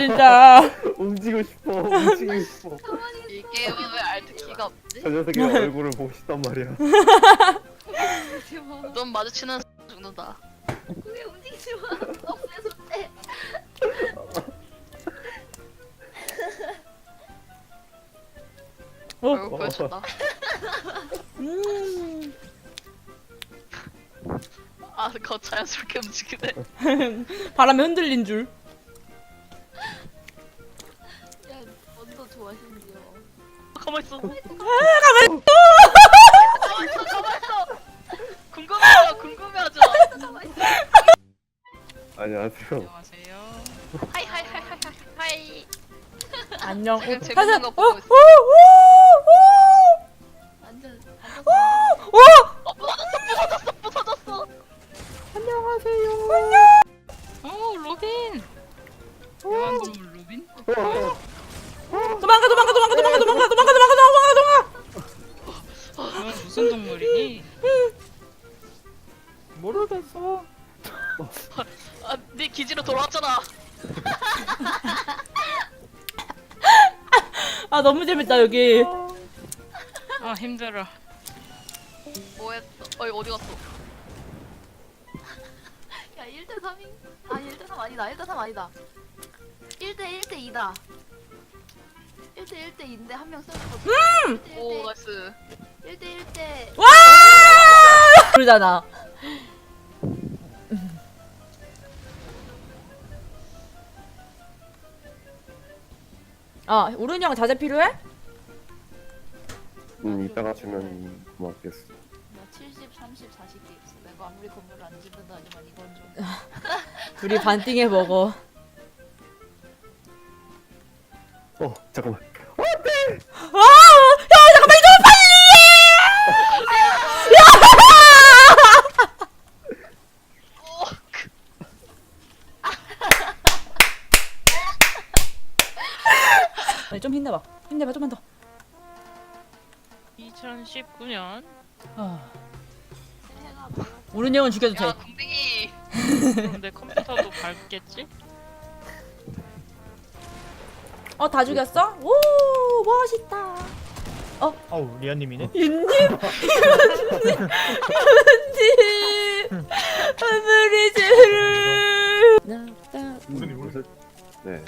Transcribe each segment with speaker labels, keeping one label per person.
Speaker 1: 진짜.
Speaker 2: 움직이고 싶어.
Speaker 3: 이 게임은 왜 알트 키가 없지?
Speaker 2: 저 녀석의 얼굴을 보고 싶단 말이야.
Speaker 3: 눈 마주치는 죽는다.
Speaker 4: 그게 움직이지 마. 없애서 돼.
Speaker 3: 얼굴 보여준다. 아, 그거 자연스럽게 움직이네.
Speaker 1: 바람에 흔들린 줄.
Speaker 4: 야, 언더 좋아하시는데요.
Speaker 3: 가만있어.
Speaker 1: 가만히.
Speaker 3: 가만있어. 궁금해하죠.
Speaker 2: 안녕하세요.
Speaker 5: 안녕하세요.
Speaker 3: 하이.
Speaker 1: 안녕.
Speaker 3: 지금 재밌는
Speaker 1: 사실-
Speaker 3: 거 보고 있어.
Speaker 4: 완전
Speaker 3: 부서졌어.
Speaker 1: 안녕하세요.
Speaker 5: 로빈. 대왕동물 로빈?
Speaker 1: 도망가.
Speaker 5: 넌 무슨 동물이니?
Speaker 1: 모르겠어.
Speaker 3: 아, 네 기지로 돌아왔잖아.
Speaker 1: 아 너무 재밌다 여기.
Speaker 5: 아 힘들어.
Speaker 3: 뭐했어? 어디 갔어?
Speaker 4: 야, 1대 3인? 아, 1대 3 아니다. 1대 3 아니다. 1대 2다. 1대 2인데 한 명 쓰러졌거든.
Speaker 3: 오, 나이스.
Speaker 4: 1대
Speaker 1: 와! 그러잖아. 아 우른이 형 자제 필요해?
Speaker 2: 이따가 주면 고맙겠어.
Speaker 4: 나 70, 30, 40개 있어. 내가 아무리 건물을 안 짓는다지만 이건 좀.
Speaker 1: 둘이 반띵해 먹어.
Speaker 2: 잠깐만.
Speaker 1: 와! 형 잠깐만 좀 빨리! 아니, 좀 힘내봐. 좀만 더.
Speaker 5: 2019년.
Speaker 4: 새해가 뭐야?
Speaker 1: 우른이 형은 죽여도 돼.
Speaker 3: 야, 궁뎅이.
Speaker 5: 그럼 내 컴퓨터도 밟겠지?
Speaker 1: 다 죽였어? 오 멋있다.
Speaker 6: 어우 리안님이네.
Speaker 1: 윤님 아무리지를
Speaker 6: 무슨
Speaker 2: 무슨? 네.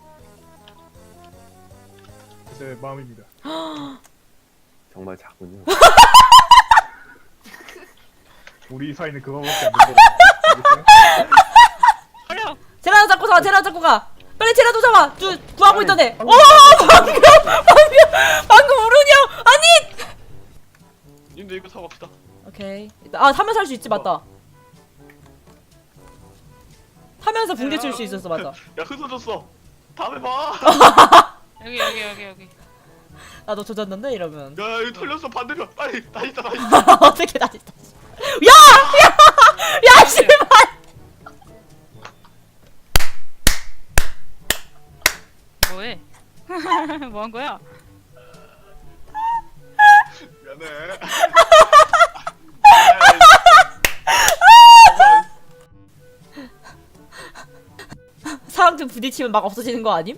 Speaker 6: 제 마음입니다.
Speaker 2: 정말 작군요.
Speaker 6: 우리 사이는 그거밖에 안 된다.
Speaker 5: 어려.
Speaker 1: 제라도 잡고 가. 빨리 제라도 잡아. 구하고 있던 애. 방금 우른이 형 아니.
Speaker 3: 님도 이거 사고 갑시다.
Speaker 1: 오케이. 타면서 할 수 있지 맞다. 타면서 붕대 칠 수 있었어 맞아.
Speaker 3: 야, 흩어졌어. 다음에 봐.
Speaker 5: 여기.
Speaker 1: 나도 조졌는데 이러면.
Speaker 3: 야, 이거 털렸어. 반대편. 빨리 다시.
Speaker 1: 어떻게 다시. 야 씨발.
Speaker 5: 뭐해? 뭐 한 거야?
Speaker 3: 미안해.
Speaker 1: 사람 좀 부딪히면 막 없어지는 거 아님?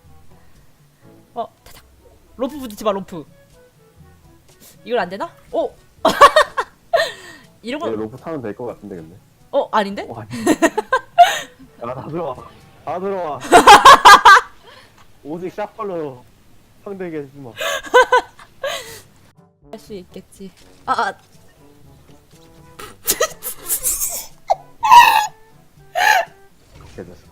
Speaker 1: 타닥. 로프 부딪히봐 로프. 이걸 안 되나? 오. 이런 거.
Speaker 2: 로프 타면 될 것 같은데 근데.
Speaker 1: 아닌데?
Speaker 2: 아니. 야다 들어와. 오직 샷발로 상대에게 해주지 마.
Speaker 1: 할 수 있겠지.
Speaker 2: 개졌어.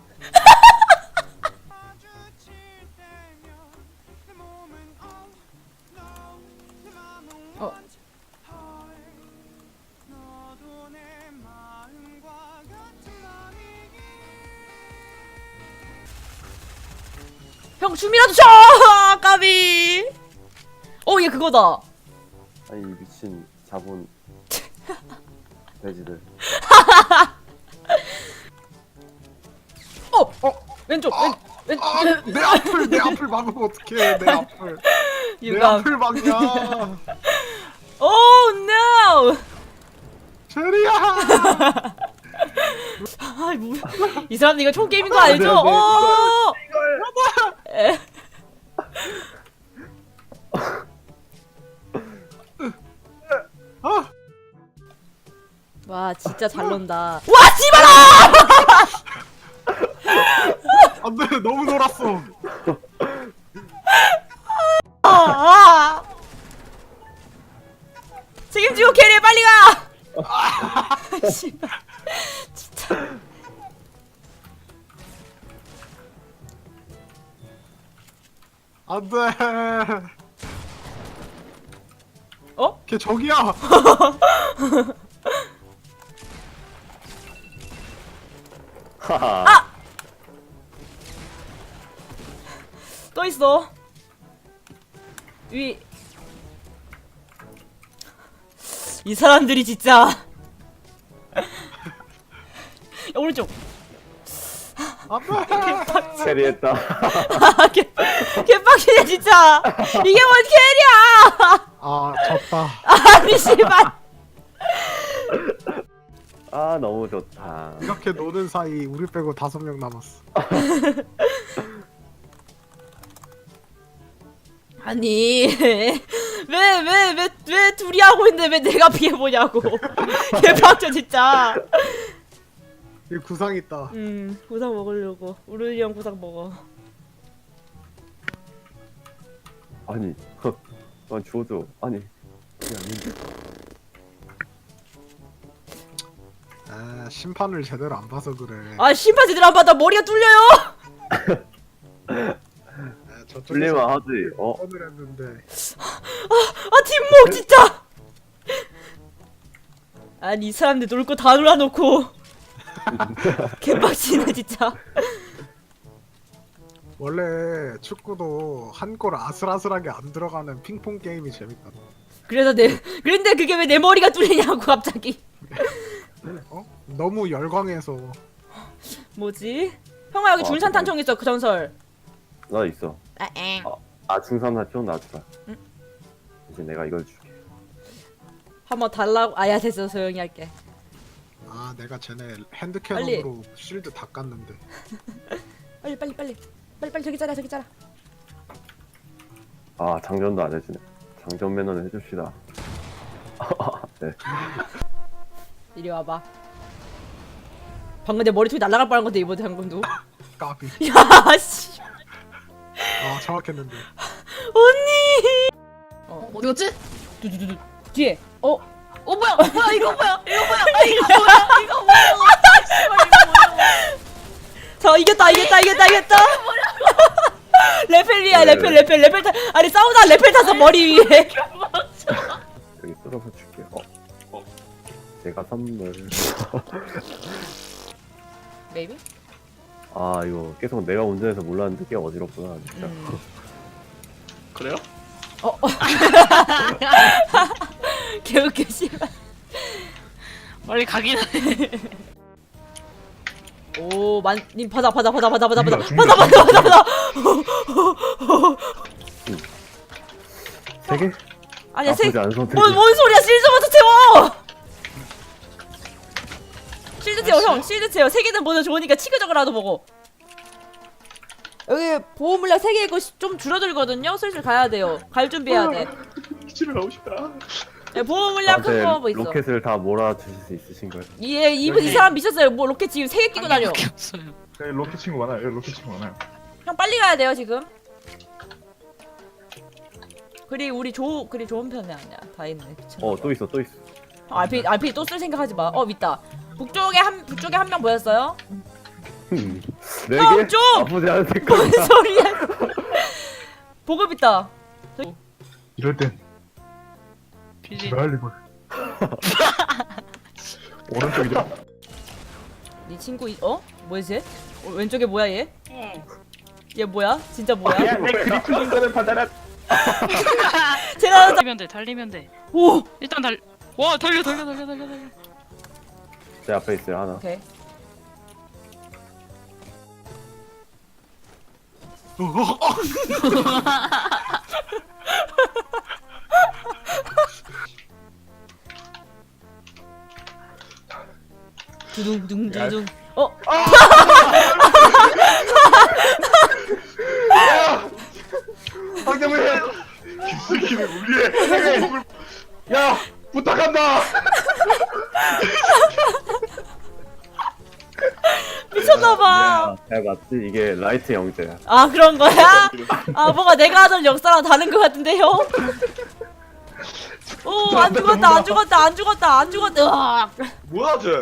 Speaker 1: 형 춤이라도 춰! 까비. 얘 그거다.
Speaker 2: 아니 미친 자본 돼지들.
Speaker 1: 왼쪽.
Speaker 6: 내 앞을 막으면 어떡해. 내 앞을. 내
Speaker 1: 유감.
Speaker 6: 앞을 막냐.
Speaker 1: 오 no.
Speaker 6: 체리야.
Speaker 1: 이 사람 이거 총 게임인 거 알죠?
Speaker 6: 네, 네. 아,
Speaker 1: 와 진짜 잘 논다. 와 씨발아!
Speaker 6: 안돼 너무 놀았어.
Speaker 1: 아! 책임지고 캐리해 빨리 가! 씨발 진짜.
Speaker 6: 안돼.
Speaker 1: 어?
Speaker 6: 걔 저기야.
Speaker 2: 하하.
Speaker 1: 또 있어. 위. 이 사람들이 진짜. 야, 오른쪽.
Speaker 6: 안돼.
Speaker 2: 캐리했다.
Speaker 1: 아, 개빡치네 진짜. 이게 뭔 캐리야?
Speaker 6: 아 졌다.
Speaker 1: 아니 씨발.
Speaker 2: 아 너무 좋다.
Speaker 6: 이렇게 노는 사이 우리 빼고 5명 남았어.
Speaker 1: 아니 왜 둘이 하고 있는데 왜 내가 피해 보냐고. 개빡쳐 진짜.
Speaker 6: 이 구상 있다.
Speaker 1: 구상 먹으려고. 우르이 형 구상 먹어.
Speaker 2: 아니, 난 줘줘. 아니, 그게 아닌데.
Speaker 6: 아 심판을 제대로 안 봐서 그래.
Speaker 1: 아 심판 제대로 안 받아 머리가 뚫려요.
Speaker 6: 저쪽에서
Speaker 2: 풀리면 하지.
Speaker 6: 선을 했는데.
Speaker 1: 아 뒷목 진짜. 아니 이 사람들 놀 거 다 놀아놓고 개빡치네 진짜.
Speaker 6: 원래 축구도 한 골 아슬아슬하게 안 들어가는 핑퐁 게임이 재밌다.
Speaker 1: 그런데 그게 왜 내 머리가 뚫리냐고 갑자기.
Speaker 6: 어? 너무 열광해서.
Speaker 1: 뭐지? 형아 여기
Speaker 2: 와,
Speaker 1: 중산탄총 있어 그 전설.
Speaker 2: 나 있어. 중산탄총 놔주라.
Speaker 1: 응?
Speaker 2: 이제 내가 이걸 줄게.
Speaker 1: 한번 달라고. 아야 됐어 소영이 할게.
Speaker 6: 아 내가 쟤네 핸드캐논으로 실드 다 깠는데.
Speaker 1: 빨리 저기 짜라 저기 짜라.
Speaker 2: 아 장전도 안 해주네. 장전 매너는 해줍시다. 네.
Speaker 1: 이리 와봐. 방금 내 머리통이 날아갈 뻔한 건데 이번에 방금도.
Speaker 6: 까비.
Speaker 1: 야 씨.
Speaker 6: 아 정확했는데.
Speaker 1: 언니.
Speaker 4: 어디 갔지?
Speaker 1: 두두두두 뒤에.
Speaker 4: 뭐야 이거 뭐야 아 이거 뭐야 이거 뭐야 씨발 이거 뭐야.
Speaker 1: 자 이겼다. 레펠리야
Speaker 2: 네.
Speaker 1: 레펠 타. 아니 싸우다 레펠 타서 머리 위에.
Speaker 2: 여기 뜯어서 줄게. 제가 선물.
Speaker 1: 메이비?
Speaker 2: 아 이거 계속 내가 운전해서 몰랐는데 꽤 어지럽구나 진짜.
Speaker 3: 그래요?
Speaker 1: 개웃겨 씨발.
Speaker 5: 빨리 가긴 하네.
Speaker 1: 오, 님 받아. 아니야,
Speaker 2: 나쁘지 않은 선택이야.
Speaker 1: 뭔 소리야? 실드부터 채워. 실드 채워, 형. 실드 채워. 3개는 모두 좋으니까 치그저그라도 먹어. 여기 보호 물량 3개고 좀 줄어들거든요. 슬슬 가야 돼요. 갈 준비해야 돼.
Speaker 3: 집에 가고 싶다.
Speaker 1: 네, 보호 물량 큰 거 뭐 있어.
Speaker 2: 로켓을 다 몰아주실 수 있으신가요?
Speaker 1: 이 사람 미쳤어요. 뭐 로켓 지금 3개 끼고 다녀.
Speaker 5: 밖에 없어요.
Speaker 7: 로켓 친구 많아요. 로켓 친구 많아요.
Speaker 1: 형 빨리 가야 돼요 지금. 그리 좋은 편이 아니야. 다 있네. 미쳤나.
Speaker 2: 또 있어.
Speaker 1: RP 또 쓸 생각하지 마. 밑다. 북쪽에 한 명 보였어요?
Speaker 2: 4개?
Speaker 1: 좀!
Speaker 2: 나쁘지 않은
Speaker 1: 뭔
Speaker 2: 색깔이다.
Speaker 1: 소리야? 보급 있다.
Speaker 7: 이럴 땐
Speaker 5: 비지.
Speaker 7: 말리고 오른쪽이죠?
Speaker 1: 네 친구 뭐야 쟤? 왼쪽에 뭐야 얘? 얘 뭐야? 진짜 뭐야?
Speaker 7: 내 그리프 인간을 받아라.
Speaker 1: 제가
Speaker 5: 달리면 돼.
Speaker 1: 오.
Speaker 5: 일단 와 달려.
Speaker 2: 제 앞에 있어요 하나.
Speaker 1: 오케이. 두둥.
Speaker 2: 맞지? 이게 라이트 영재야.
Speaker 1: 아 그런 거야? 아 뭔가 내가 하던 역사랑 다른 것 같은데요? 오 안 죽었다 안 죽었다 안 죽었다 안 죽었다. 으악.
Speaker 3: 뭐야 쟤?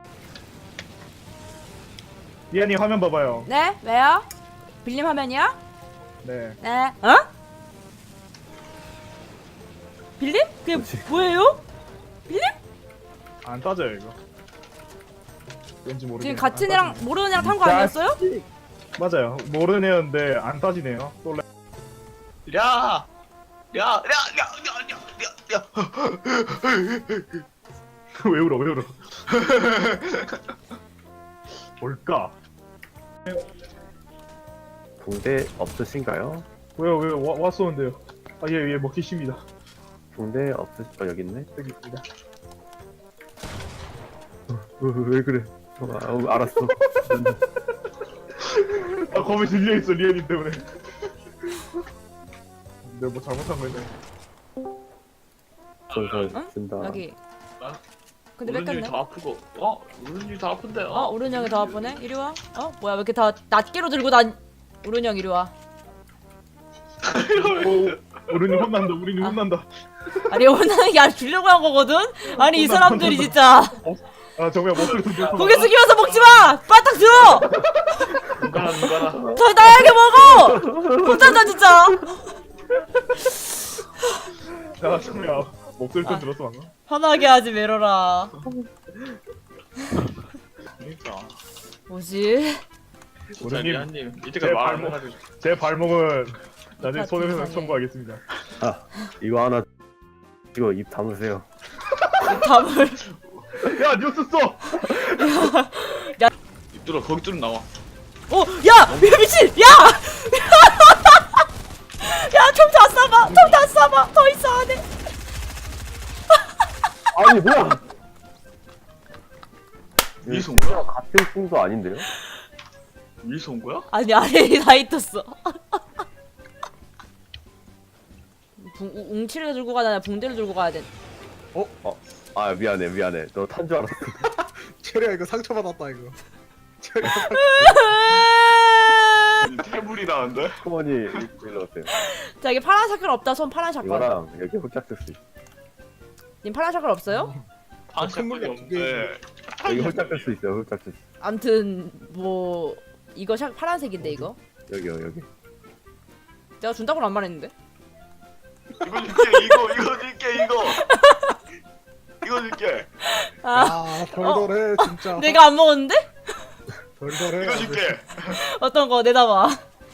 Speaker 7: 리안님 화면 봐봐요.
Speaker 1: 네? 왜요? 빌림 화면이야?
Speaker 7: 네.
Speaker 1: 네. 어? 빌림? 그게
Speaker 2: 뭐지?
Speaker 1: 뭐예요? 빌림?
Speaker 7: 안 따져요 이거. 왠지 모르게.
Speaker 1: 지금 같은 애랑 모르는 애랑 탄 거 아니었어요?
Speaker 7: 맞아요. 모르는 애였는데 안 따지네요. 또
Speaker 3: 야! 야!
Speaker 7: 왜 울어? 왜 울어? 뭘까?
Speaker 2: 붕대 없으신가요?
Speaker 7: 왜요? 왔었는데요. 예, 먹기 쉽니다.
Speaker 2: 붕대 여기 있네.
Speaker 7: 여기 있습니다.
Speaker 2: 왜 그래? 알았어.
Speaker 7: 아, 겁이 들려있어, 리안님 때문에. 내가 뭐 잘못한 거네.
Speaker 2: 솔솔
Speaker 1: 응?
Speaker 2: 쓴다.
Speaker 1: 여기.
Speaker 3: 아,
Speaker 1: 근데
Speaker 3: 오른쪽이
Speaker 1: 뺏겼네.
Speaker 3: 더 아프고 오른쪽이 더 아픈데
Speaker 1: 오른형이 더 아프네? 이리 와. 뭐야 왜 이렇게 다 낱개로 들고 단 오른형 이리 와.
Speaker 7: 우리는 혼난다. 우리는 혼난다.
Speaker 1: 아니 오른형이 야 주려고 한 거거든? 아니 이 사람들이 진짜
Speaker 7: 아, 정말 목소리 들려서.
Speaker 1: 고개 숙이면서 먹지 마! 바닥 들어!
Speaker 3: 누가라
Speaker 1: 더 나에게 먹어! 혼자다 진짜!
Speaker 7: 야, 정말 목소리 좀
Speaker 1: 아.
Speaker 7: 들었어 방금.
Speaker 1: 편하게 하지 메로라.
Speaker 3: 그러니까
Speaker 1: 뭐지?
Speaker 3: 진짜
Speaker 7: 오른님,
Speaker 3: 리안님
Speaker 7: 제
Speaker 3: 이때까지 말안
Speaker 7: 발목.
Speaker 3: 해가지고
Speaker 7: 제 발목은 나중에
Speaker 1: 아,
Speaker 7: 손해배상
Speaker 1: 세상에.
Speaker 7: 청구하겠습니다.
Speaker 2: 아 이거 하나. 이거 입 담으세요.
Speaker 1: 답을
Speaker 7: 야, 뉴스 써!
Speaker 3: 입 뚫어 거기 뚫어 나와
Speaker 1: 야! 미친! 야! 야 총 다 쏴봐! 총 다 쏴봐! 더 있어 안에!
Speaker 2: 아니 뭐야?
Speaker 3: 위에서 온
Speaker 2: 이거
Speaker 3: 거야?
Speaker 2: 같은 풍도 아닌데요?
Speaker 3: 위에서 온 거야?
Speaker 1: 아니 아래 다 있었어. 웅치를 들고 가야 되나 붕대를 들고 가야 돼.
Speaker 2: 아 미안해. 너 탄 줄 알았어.
Speaker 6: 체리야 이거 상처받았다 이거. 체리야.
Speaker 3: 태물이 나는데?
Speaker 2: 어머니 일로 오세요.
Speaker 1: 자 여기 파란 샷건 없다. 손 파란 샷건.
Speaker 2: 이거랑 여기 홀짝 쓸 수 있어.
Speaker 1: 님 파란 샷건 없어요?
Speaker 3: 다
Speaker 6: 큰 물이
Speaker 3: 샷건이 없는데
Speaker 2: 여기 홀짝 쓸 수 있어. 홀짝 쓸 수. 있어.
Speaker 1: 암튼 뭐 이거 샷 파란색인데 이거.
Speaker 2: 여기.
Speaker 1: 내가 준다고는 안 말했는데.
Speaker 3: 이거 줄게 이거 줄게 이거 줄게
Speaker 1: 아
Speaker 6: 덜덜해 진짜.
Speaker 1: 내가 안 먹었는데?
Speaker 6: 덜덜해.
Speaker 3: 이거 줄게
Speaker 1: 어떤 거 내다봐.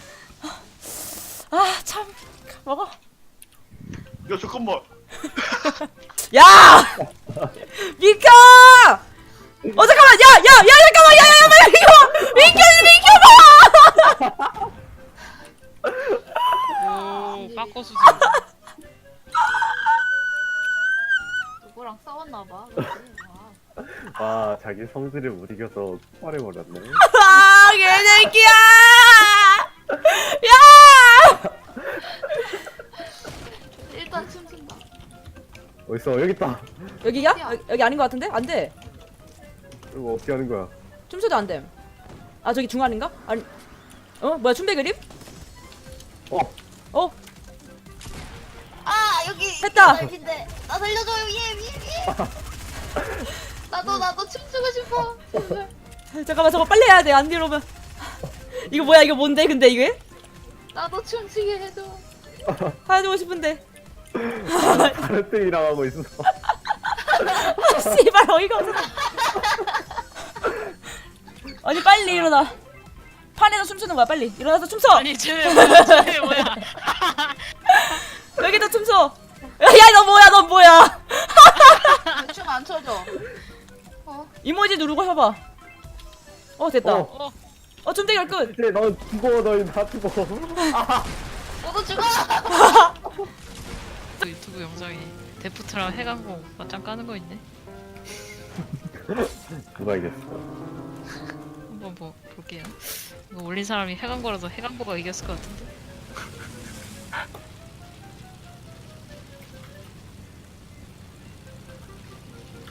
Speaker 1: 아 참 먹어.
Speaker 3: 이거 잠깐만
Speaker 1: 야! 미켜! 잠깐만 야 잠깐만 야 이거 미켜봐!
Speaker 5: 오 빠꼬수지.
Speaker 4: 누구랑 싸웠나봐.
Speaker 2: 아 자기 성질을 못 이겨서 폭발해버렸네.
Speaker 1: 아 개새끼야! 야!
Speaker 4: 일단 춤춘다.
Speaker 2: 어딨어? 여기 있다.
Speaker 1: 여기야? 여기 아닌 것 같은데? 안 돼.
Speaker 2: 이거 어떻게 하는 거야?
Speaker 1: 춤춰도 안 돼. 아 저기 중간인가? 아니 뭐야 춤배 그림? 어?
Speaker 4: 아 여기
Speaker 1: 했다.
Speaker 4: 넓인데 나 살려줘요 위에. 나도 춤추고 싶어. 제발.
Speaker 1: 잠깐만 저거 빨리 해야 돼. 안 이러면 이거 뭐야 이거 뭔데 근데 이게?
Speaker 4: 나도 춤추게 해줘.
Speaker 1: 하고 싶은데.
Speaker 2: 다른 팀이랑 하고 있어.
Speaker 1: 씨발 어이가 없어. 아니 빨리 일어나. 판에서 춤추는 거야 빨리. 일어나서 춤춰.
Speaker 5: 아니 쟤 뭐야?
Speaker 1: 여기도 춤춰. 야 너 뭐야?
Speaker 4: 춤 안 춰줘.
Speaker 1: 이모지 누르고 해봐. 됐다.
Speaker 2: 어.
Speaker 1: 춤대결 끝.
Speaker 2: 이제 너 죽어. 너 다 죽어.
Speaker 4: 너도 죽어.
Speaker 5: 또 유튜브 영상에 데프트랑 해강공 맞짱 까는 거 있네.
Speaker 2: 누가 이겼어?
Speaker 5: 한번 볼게요. 이거 올린 사람이 해강고라서 해강고가 이겼을 것 같은데.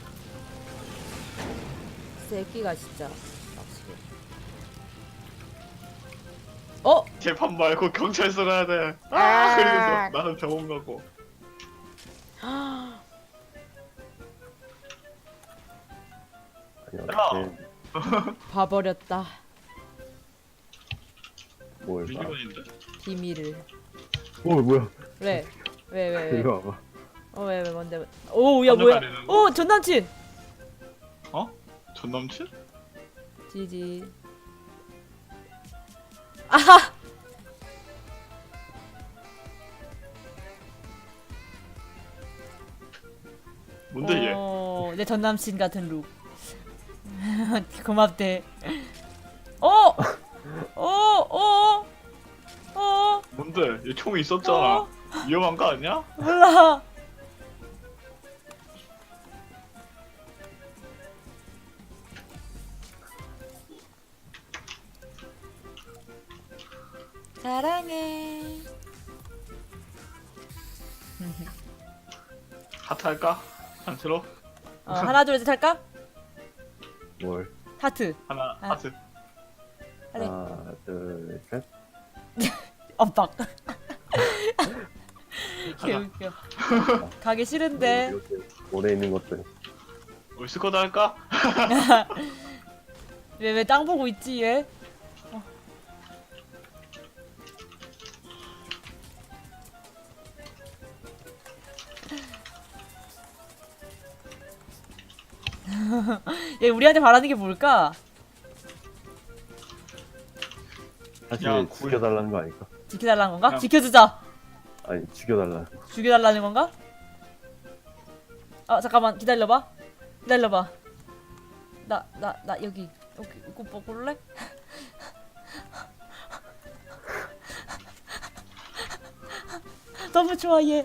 Speaker 1: 새끼가 진짜. 확실히. 어?
Speaker 3: 재판 말고 경찰서 가야 돼. 아, 그리고 나는 병원 가고.
Speaker 2: 아니 어떻게
Speaker 1: 봐버렸다.
Speaker 2: 뭘 봐.
Speaker 3: 미니건인데?
Speaker 1: 비밀을.
Speaker 2: 뭐야?
Speaker 1: 왜? 왜?
Speaker 2: 이리 와봐.
Speaker 1: 왜 뭔데? 오, 야 뭐야?
Speaker 3: 가리는 거?
Speaker 1: 오, 전 남친.
Speaker 3: 어? 전 남친?
Speaker 1: 지지. 아하.
Speaker 3: 뭔데 얘?
Speaker 1: 내 전 남친 같은 룩. 고맙대. 어?
Speaker 3: 뭔데? 얘 총이 있었잖아.
Speaker 1: 어?
Speaker 3: 위험한 거 아니야?
Speaker 1: 몰라. 사랑해.
Speaker 3: 하트 할까? 안 들어?
Speaker 1: 하나 둘 셋 할까?
Speaker 2: 뭘?
Speaker 1: 하트.
Speaker 3: 하나
Speaker 1: 아.
Speaker 3: 하트.
Speaker 1: 그래.
Speaker 2: 하나, 둘, 셋.
Speaker 1: 엇박. 개웃겨. 가기 싫은데.
Speaker 2: 이렇게 오래 있는 것들.
Speaker 3: 올스쿼드 할까?
Speaker 1: 왜 땅 보고 있지 얘? 얘 우리한테 바라는 게 뭘까?
Speaker 2: 사실
Speaker 3: 야,
Speaker 2: 죽여달라는 거 아닐까?
Speaker 1: 지켜달라는 건가?
Speaker 3: 그냥-
Speaker 1: 지켜주자.
Speaker 2: 아니 죽여달라는 거.
Speaker 1: 죽여달라는 건가? 잠깐만 기다려봐. 기다려봐. 나 여기 이거 볼래? 너무 좋아 얘.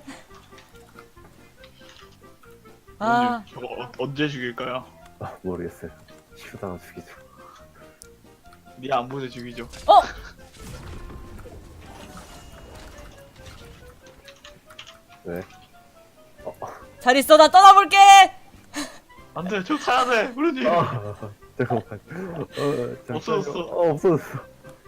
Speaker 1: 아,
Speaker 3: 형님, 저거 언제 죽일까요?
Speaker 2: 모르겠어요. 치우다가 죽이죠.
Speaker 3: 네 안보내 죽이죠.
Speaker 1: 어?
Speaker 2: 왜?
Speaker 1: 잘 있어 나 떠나볼게.
Speaker 3: 안돼, 저 타야 돼, 그러니.
Speaker 2: 잠깐만. 잠깐만.
Speaker 3: 없어졌어.
Speaker 2: 없어졌어.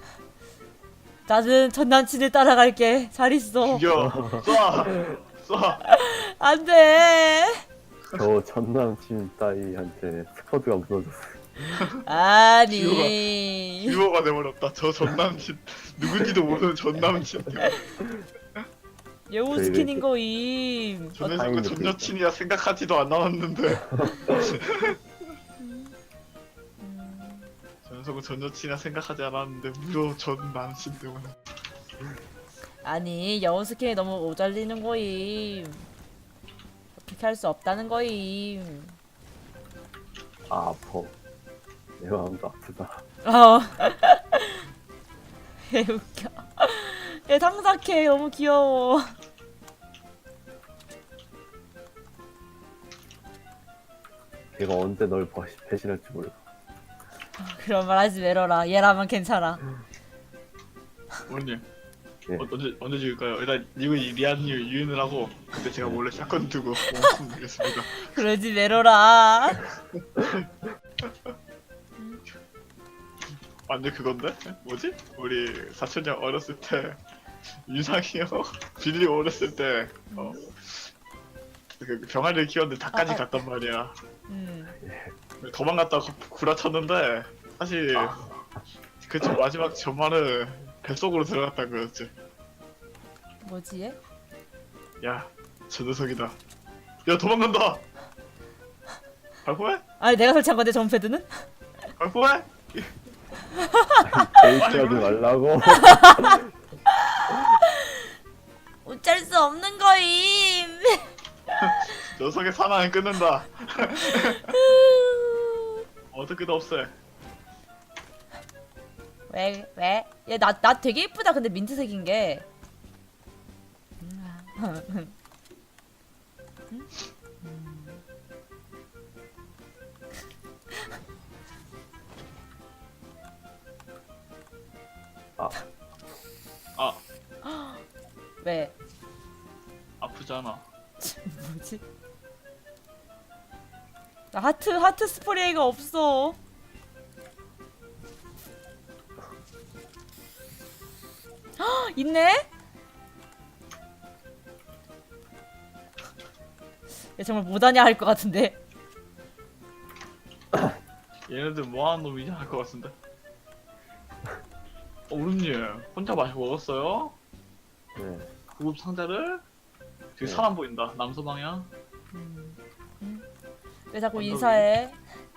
Speaker 1: 나는 전 남친을 따라갈게. 잘 있어.
Speaker 3: 죽여. 쏴.
Speaker 1: 안돼.
Speaker 2: 저 전남친 따위한테 스쿼드가 무너졌어.
Speaker 1: 아니.
Speaker 3: 듀오가 돼버렸다. 저 전남친 누군지도 모르는 전남친.
Speaker 1: 여우 스킨인 거임.
Speaker 3: 저 녀석은
Speaker 2: 다행이다.
Speaker 3: 전 여친이라 생각하지도 안 나왔는데. 저 녀석은 전 여친이라 생각하지 않았는데 무려 전 남친 때문에.
Speaker 1: 아니 여우 스킨이 너무 오잘리는 거임. 어떻게 할 수 없다는 거임.
Speaker 2: 아 아파. 내 마음도 아프다.
Speaker 1: 개 웃겨. 얘 상삭해. 너무 귀여워.
Speaker 2: 걔가 언제 널 배신할지 몰라.
Speaker 1: 그런 말 하지 말어라. 얘라면 괜찮아.
Speaker 3: 부모님.
Speaker 2: 예.
Speaker 3: 언제 죽일까요? 일단 이거 리안님 유인을 하고 근데 제가 몰래 샷건 두고 멈추겠습니다.
Speaker 1: 그러지 말어라.
Speaker 3: 완전 그건데? 뭐지? 우리 사촌형 어렸을 때 유상이 형 빌리 어렸을 때 그 병아리를 키웠는데 닭까지 갔단 말이야. 도망갔다가 구라쳤는데 사실 그 마지막 전말은 뱃속으로 들어갔다는 거였지.
Speaker 1: 뭐지 얘?
Speaker 3: 야, 저 녀석이다. 야, 도망간다. 발포해?
Speaker 1: 아니 내가 설치한 건데 점패드는?
Speaker 3: 발포해?
Speaker 2: 데이트하지 말라고.
Speaker 1: 어쩔 수 없는 거임.
Speaker 3: 녀석의 사나이 끊는다. 어떻게든 없애.
Speaker 1: 왜? 얘 나 되게 이쁘다. 근데 민트색인 게. 왜?
Speaker 3: 아프잖아.
Speaker 1: 뭐지? 나 하트 스프레이가 없어. 있네? 야, 정말 못하냐 할 것 같은데.
Speaker 3: 얘네들 뭐하는 놈이냐 할 것 같은데. 오름님 혼자 마시고 먹었어요?
Speaker 2: 네.
Speaker 3: 구급 상자를? 저기
Speaker 2: 네.
Speaker 3: 사람 보인다. 남서 방향.
Speaker 1: 왜 자꾸 인사해?